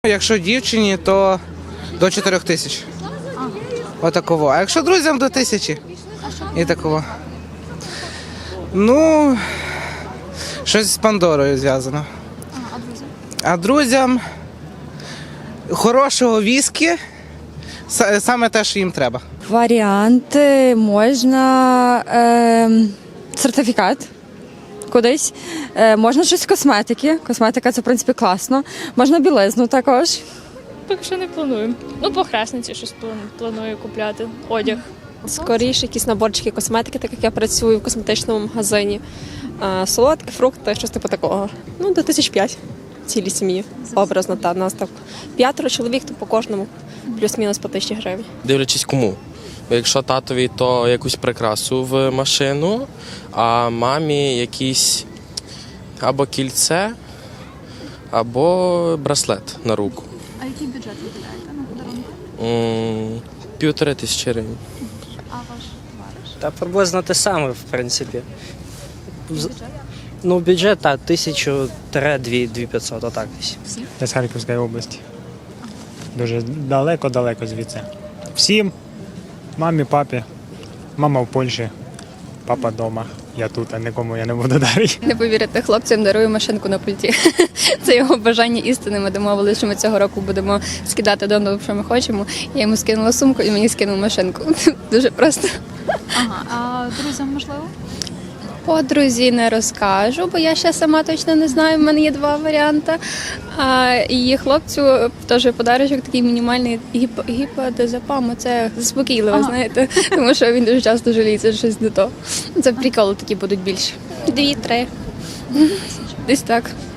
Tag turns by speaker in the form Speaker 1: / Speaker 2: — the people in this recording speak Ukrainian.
Speaker 1: Якщо дівчині, то до 4 тисяч. Отаково. А якщо друзям, до 1000. І такого. Ну, щось з Пандорою зв'язано. А друзям хорошого віскі, саме те, що їм треба.
Speaker 2: Варіанти можна сертифікат кудись, можна щось з косметики. Косметика це, в принципі, класно. Можна білизну також.
Speaker 3: Поки що не планую. Ну, по хресниці щось планую купляти. Одяг.
Speaker 4: Скоріше якісь наборчики косметики, так як я працюю в косметичному магазині. Солодкі, фрукти, щось типу такого. Ну, до 1500 цілій сім'ї. Образно, та нас так 5 чоловік, то по кожному плюс-мінус по 1000 гривень.
Speaker 5: Дивлячись кому. Якщо татові, то якусь прикрасу в машину, а мамі якісь або кільце, або браслет на руку.
Speaker 6: А який бюджет виділяєте на подарунки?
Speaker 5: 1500 гривень.
Speaker 6: А ваш товариш?
Speaker 7: Та приблизно те саме, в принципі. Ну, бюджет, так, 1000-2500, отак десь.
Speaker 8: Я з Харківської області. Дуже далеко звідси. Всім, мамі, папі. Мама в Польщі, папа вдома. Я тут, а нікому я не буду дарити.
Speaker 9: Не повірите, хлопцям дарую машинку на пульті. Це його бажання істини. Ми домовилися, що ми цього року будемо скидати донору, що ми хочемо. Я йому скинула сумку і мені скинув машинку. Дуже просто.
Speaker 6: Ага, а друзям можливо?
Speaker 9: Подрузі не розкажу, бо я ще сама точно не знаю. В мене є 2 варіанти. І хлопцю теж подарочок такий мінімальний гіподезапам. Це заспокійливо, знаєте, тому що він дуже часто жаліється, що щось не то. Це приколи такі будуть більше. 2-3. Десь так.